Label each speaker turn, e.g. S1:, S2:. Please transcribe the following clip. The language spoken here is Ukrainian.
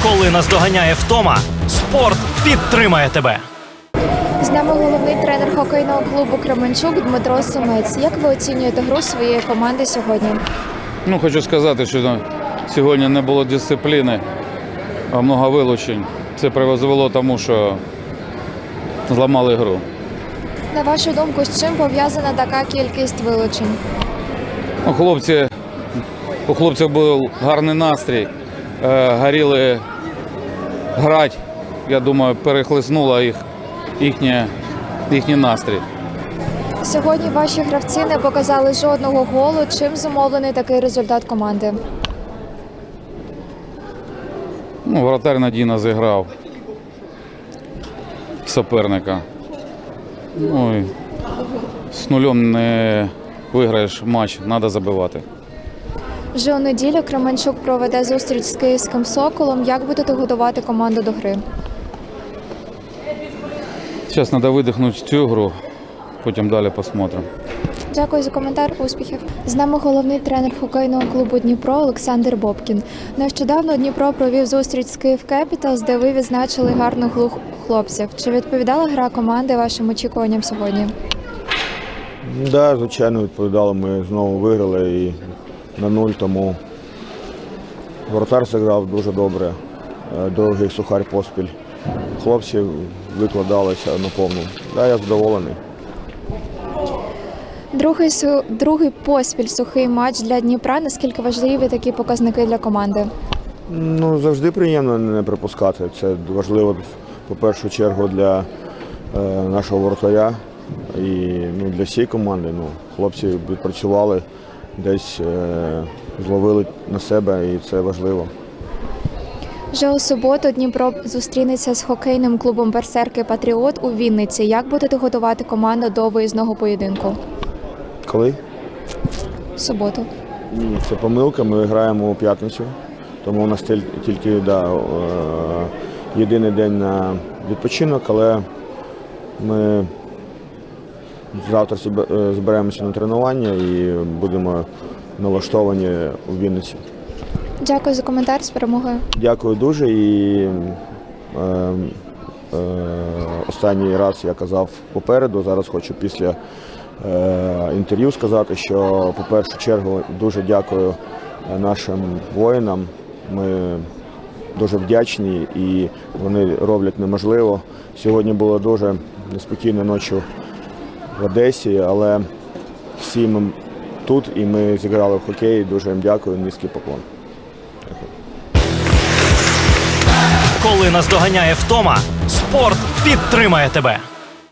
S1: Коли наздоганяє втома, спорт підтримає тебе.
S2: З нами головний тренер хокейного клубу «Кременчук» Дмитро Сумець. Як ви оцінюєте гру своєї команди сьогодні?
S3: Хочу сказати, що сьогодні не було дисципліни, а багато вилучень. Це призвело тому, що зламали гру.
S2: На вашу думку, з чим пов'язана така кількість вилучень?
S3: У хлопців був гарний настрій, горіли грати. Я думаю, перехлиснуло їхній настрій.
S2: Сьогодні ваші гравці не показали жодного голу. Чим зумовлений такий результат команди?
S3: Воротар надійно зіграв суперника. І з нулем не виграєш матч, треба забивати.
S2: Вже у неділю Кременчук проведе зустріч з київським «Соколом». Як будете готувати команду до гри?
S3: Зараз треба видихнути цю гру, потім далі посмотримо.
S2: Дякую за коментар. Успіхів. З нами головний тренер хокейного клубу «Дніпро» Олександр Бобкін. Нещодавно Дніпро провів зустріч з «Київ Кепіталс», де ви відзначили гарну гру хлопців. Чи відповідала гра команди вашим очікуванням сьогодні?
S4: Так, звичайно, відповідали. Ми знову виграли і на 0, тому воротар зіграв дуже добре, довгий сухар поспіль. Хлопці викладалися на повну. Так, я задоволений.
S2: Другий поспіль сухий матч для Дніпра. Наскільки важливі такі показники для команди?
S4: Завжди приємно не пропускати. Це важливо, по першу чергу, для нашого воротаря і для всієї команди. Хлопці відпрацювали, десь зловили на себе, і це важливо.
S2: Вже у суботу Дніпро зустрінеться з хокейним клубом «Берсерки Патріот» у Вінниці. Як будете готувати команду до виїзного поєдинку?
S4: Коли?
S2: В суботу.
S4: Це помилка, ми граємо у п'ятницю, тому у нас тільки єдиний день на відпочинок, але ми завтра зберемося на тренування і будемо налаштовані у Вінниці.
S2: Дякую за коментар, з перемогою.
S4: Дякую дуже. І останній раз я казав попереду, зараз хочу після інтерв'ю сказати, що по першу чергу дуже дякую нашим воїнам. Ми дуже вдячні і вони роблять неможливо. Сьогодні було дуже неспокійно ночі в Одесі, але всі ми тут і ми зіграли в хокей. Дуже їм дякую, низький поклон.
S1: Коли наздоганяє втома, спорт підтримає тебе.